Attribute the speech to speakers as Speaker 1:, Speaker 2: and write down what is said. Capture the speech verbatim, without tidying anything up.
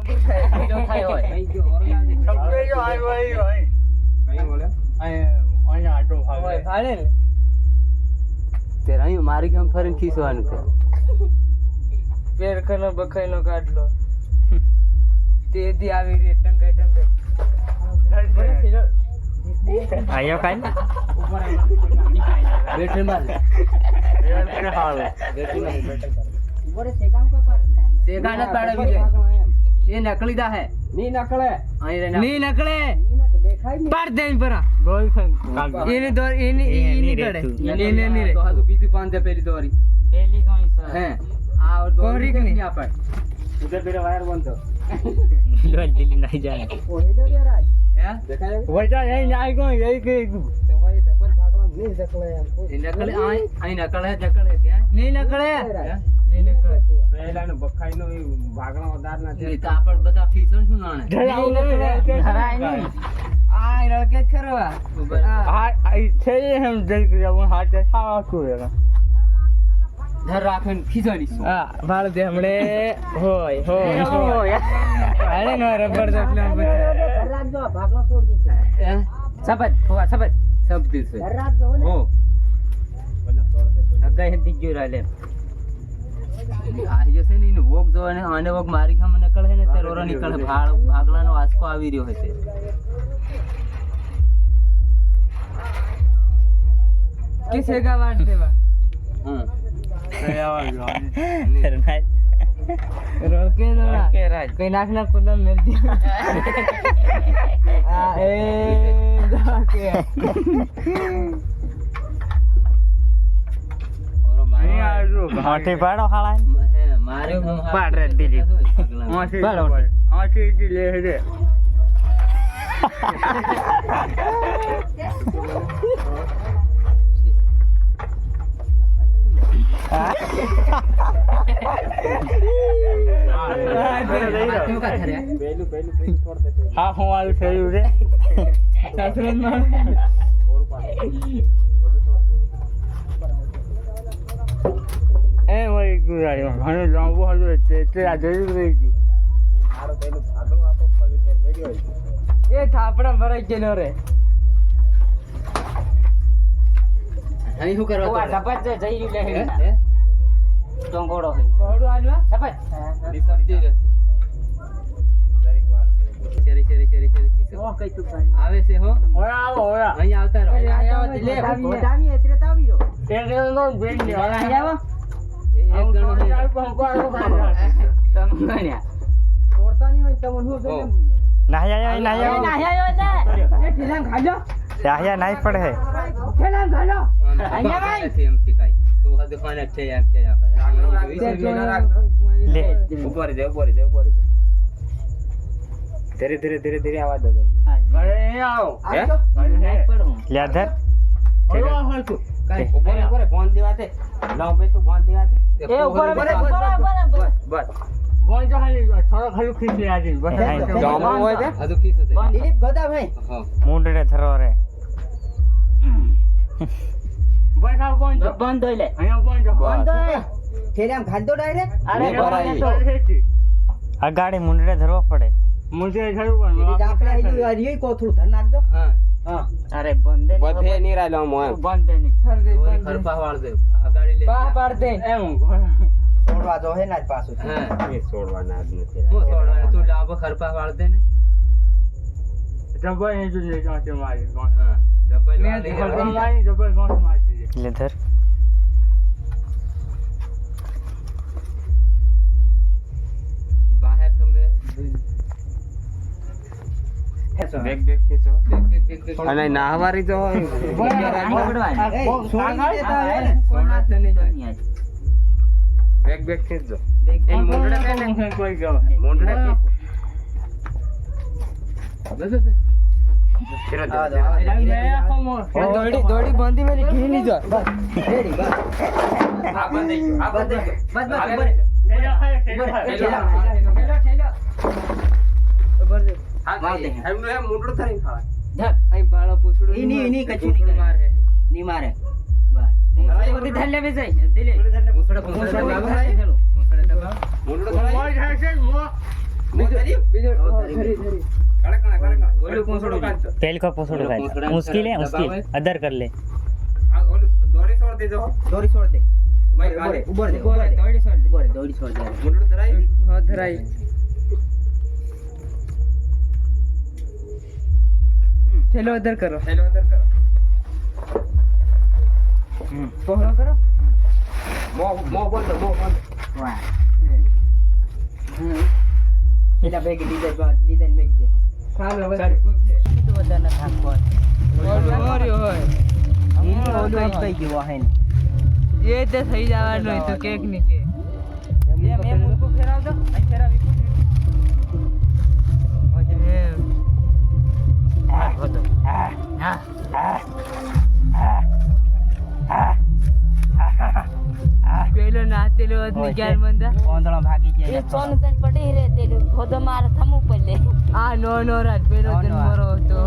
Speaker 1: जो થાય હોય અહીં જો ઓરલા દે
Speaker 2: સબકે જો આયો આયો અહીં કઈ બોલે અહીં અહીં આટો ભાગે
Speaker 1: ભાડે ને તે અહીં મારી ગામ ફરીને ખીસવાનું છે પેર કનો બખાઈનો કાઢલો તે દી આવી રે ટંગાઈ ટંગાઈ
Speaker 3: આયો કાઈ
Speaker 1: બેટરી માર
Speaker 2: એ હાલ
Speaker 1: બેટરી માર ઉપર સે કામ કો પર સેગા ન પાડે વિજય ये नकली दा है नहीं नकले नहीं नकले पर देन परा
Speaker 2: બોલ
Speaker 1: इने दो इने इने कड़े इने नहीं रे तो हाथ बीती पांच दे पहली दोरी
Speaker 3: પેલી જોઈ સર
Speaker 1: हैं आ और दोरी के नहीं यहाँ पर
Speaker 2: ઉધર પેલા વાયર બંધ
Speaker 3: લોલ દિલ્હી નહીં જાય
Speaker 1: ओ हेलो रे राज हैं देखायो
Speaker 2: વઈટા અહીં આઈ ગયો એઈ કે
Speaker 1: तो भाई डबल भागला नहीं नकले हमको ये नकले आई आई नकल है नकल है क्या नहीं नकले नहीं नकले
Speaker 2: પહેલા નો બખાઈ નો ભાગણા વધાર ના છે
Speaker 1: नहीं तो आपण बता खीसण શું નાણે
Speaker 3: ધરાય નહીં
Speaker 1: આ રળકે ખરવા
Speaker 2: હા આઈ છે એમ જઈ ગયા હાથ દેખાવા છું એનો
Speaker 1: ધર રાખન ખીસણી
Speaker 3: હા ભાળ દે હમણે હોય હોય હોય આલે નો રબર દે ફિલ્મ
Speaker 1: ધર રાખજો ભાગલો છોડ દીધો હે
Speaker 3: સબત હોવા સબત
Speaker 1: सब दिस है
Speaker 3: ધર રાખજો ને
Speaker 1: ओ
Speaker 2: બોલા તોડ દે
Speaker 3: અગાઈ હિંદી જો રાલે
Speaker 1: આ જશે ને વોક જો અને આને વોક મારી ખામ નીકળે ને તે રોરો નીકળે ભાળ ભાગલાનો આંચકો આવી રહ્યો હશે કિસેગા વાટ દેવા હા
Speaker 3: રનાય
Speaker 1: રોકે દોડા
Speaker 3: કે રાજ
Speaker 1: કઈ નાખ ના કુલમ મેલ દી આ એ દાકે ઓરો મારી
Speaker 2: આજો
Speaker 3: હાથી પાડો હાળા
Speaker 1: હે મારે
Speaker 3: પાડ રે દીદી
Speaker 2: આથી
Speaker 3: પાડો
Speaker 2: આથી જી લે રે
Speaker 1: क्यों का करे
Speaker 2: પહેલું પહેલું પહેલું છોડ દે હા હું આલું થયું રે
Speaker 1: सासरन में
Speaker 2: ઓર પાડ બોલું છોડ દે એ વઈ ગુરાયો ઘણો લાંબો હતો તે તે આ જઈ રહી ગયું મારો પહેલું ભાગો આપો ફરી તે રેડી હોય
Speaker 1: ये थापड़ा भराई के रे અહીં શું કરવા
Speaker 3: ઓવા સબત જઈ લે હે
Speaker 1: હે
Speaker 3: ટોંગોડો હે
Speaker 1: કોડું આલવા
Speaker 3: સબત
Speaker 1: રિસર્ટી રે
Speaker 2: દરેક વાર
Speaker 1: ચરી ચરી ચરી ચરી કિસો
Speaker 3: ઓ કઈ તું ભાઈ
Speaker 1: આવે છે હો
Speaker 2: ઓરા આવો ઓરા
Speaker 1: અહીં આવતા રહો
Speaker 3: લે ગોદામી એતરે તો આવી રહ્યો
Speaker 2: તે તે નો બેન ને
Speaker 3: અહીં આવો
Speaker 1: એક જણો
Speaker 2: આવો
Speaker 1: છે
Speaker 2: પંકો
Speaker 1: તમન્યા
Speaker 3: તોડતા નહીં હોય તમને હું
Speaker 1: ઓ
Speaker 4: નાહી આયો નાહી આયો
Speaker 3: નાહી આવ્યો ને
Speaker 1: એ ઠીલા ખાજો
Speaker 4: નાહી નાહી પડે હે
Speaker 3: ખેલા ગાલો
Speaker 1: અહીંયા ભાઈ એમ ટીકાઈ તો હદ પાને છે એમ છે આ
Speaker 4: લે
Speaker 2: ઉપર જા ઉપર જા ઉપર જા ધીરે ધીરે ધીરે ધીરે આવા દો અરે આવો
Speaker 1: હે
Speaker 3: નાહી પડું
Speaker 4: લે ધર
Speaker 2: ઓલો હાલતું
Speaker 1: કાઈ
Speaker 2: ઉપર ઉપર બોન દેવાતે લાવ બે તો બોન દેવાતે
Speaker 3: એ ઉપર ઉપર ઉપર
Speaker 1: બસ
Speaker 2: બોન જો ખાલી થોડો ખાલી ખીચી આજી બસ
Speaker 1: જામો હોય છે હજુ કિસ છે
Speaker 3: દિલીપ ગોદા ભાઈ
Speaker 1: હા
Speaker 4: મુંડડે ધરો રે
Speaker 2: બસ આ બોન જો
Speaker 3: બંધ હોય લે
Speaker 2: અહીંયા બોન જો
Speaker 3: બંધ હોય
Speaker 1: ઠેલામ ખાધો ડાયરેક્ટ
Speaker 3: અરે
Speaker 1: ભરાઈ.
Speaker 3: ભરાઈ.
Speaker 4: આ ગાડી મુંડડે ધરવો પડે
Speaker 2: મુજે થયું પણ
Speaker 3: હરિયો કોથળું ધર નાખજો
Speaker 1: હા
Speaker 3: હા અરે બંધ દે
Speaker 2: બધે ની રાયલો મો એમ
Speaker 3: બંધ દે ની
Speaker 1: થર દે ખરપા વાળ દે આ ગાડી લે પા પાડ દે
Speaker 2: એમ
Speaker 3: છોડવા જો હે ના જ પાછું
Speaker 1: હા
Speaker 2: એ છોડવાના જ નથી
Speaker 1: હું છોડવા તું લાવ ખરપા વાળ દે ને
Speaker 2: ડબલ એ જો લે જાતે મારી
Speaker 1: હા ડબલ
Speaker 2: મેં
Speaker 1: વાળી
Speaker 2: ડબલ મારી ડબલ ગોસ મારી
Speaker 4: લે ધર
Speaker 1: બહાર તમે
Speaker 2: દેખ દેખ કેસો
Speaker 1: દેખ દેખ દેખ દેખ
Speaker 2: અને નાહવારી તો બેગ બેગ ખેંચજો એ મોંડડા કે કોઈ ગયો મોંડડા કે બસ બસ ધીરે ધીરે
Speaker 1: દોડી દોડી બાંધી મેરી ઘી ની જો રેડી બસ
Speaker 2: આ બંધ આ બંધ
Speaker 1: બસ બસ
Speaker 2: ઠેલો
Speaker 1: ઠેલો
Speaker 2: હા દે એમનું એમ મોંડડું થઈને ખાવા
Speaker 1: ધર અહીં બાળો પૂછડું
Speaker 3: ઈ ની- ઈ ની કચું ની કરે.
Speaker 1: મારે
Speaker 3: ની મારે બસ બધી ધર લેવી જાય દિલે
Speaker 1: પૂછડે પૂછડે દબાવ પૂછડે દબાવ
Speaker 2: મોંડડું થઈને મોય જાય છે મો
Speaker 1: બીજો બીજો ધરી ધરી કડકણા કડકણા ઓલું પૂંછડું કાઢ
Speaker 4: तेल का पोसड़ो का मुश्किल है मुश्किल अदर कर ले
Speaker 1: આ ઓલું દોરી છોડ દેજો
Speaker 2: દોરી છોડ દે
Speaker 1: મારી ગાડી
Speaker 2: ઉભો રે
Speaker 3: ઉભો રહે, દોડી છોડ દે.
Speaker 2: ઉભો રે દોરી છોડ દે
Speaker 1: મુંડું ધરાઈ
Speaker 3: હા ધરાઈ થેલો અદર કરો
Speaker 1: હેલો અંદર કરો
Speaker 3: પહોળો કરો
Speaker 1: મો મો બોલ દો મો બોલ
Speaker 2: વાહ એલા બેગ ડીઝલ બાદ ડીઝલ મેક દે
Speaker 3: ખાલો
Speaker 1: ચાલ
Speaker 2: તો વધારે થાક કોણ
Speaker 3: ઓલું ઓર્યો હોય
Speaker 2: ઈ ઓલો એક કઈ ગયો હે ને
Speaker 3: એ તે થઈ જવાનું હોય તો કેક ની કે
Speaker 2: એ મે મુકુ ફેરાવ દો અહીં ફેરાવી
Speaker 3: એમ. પેલો નાતેલો આદમી ક્યાં મંદા
Speaker 2: ઓંધળો ભાગી
Speaker 5: એ
Speaker 2: જાય
Speaker 5: સોનું તન પડી રે તે ભોદો માર થમું પડે
Speaker 3: આ નો નો રાત પેલો
Speaker 2: નો, નો.
Speaker 3: જન્મરો હતો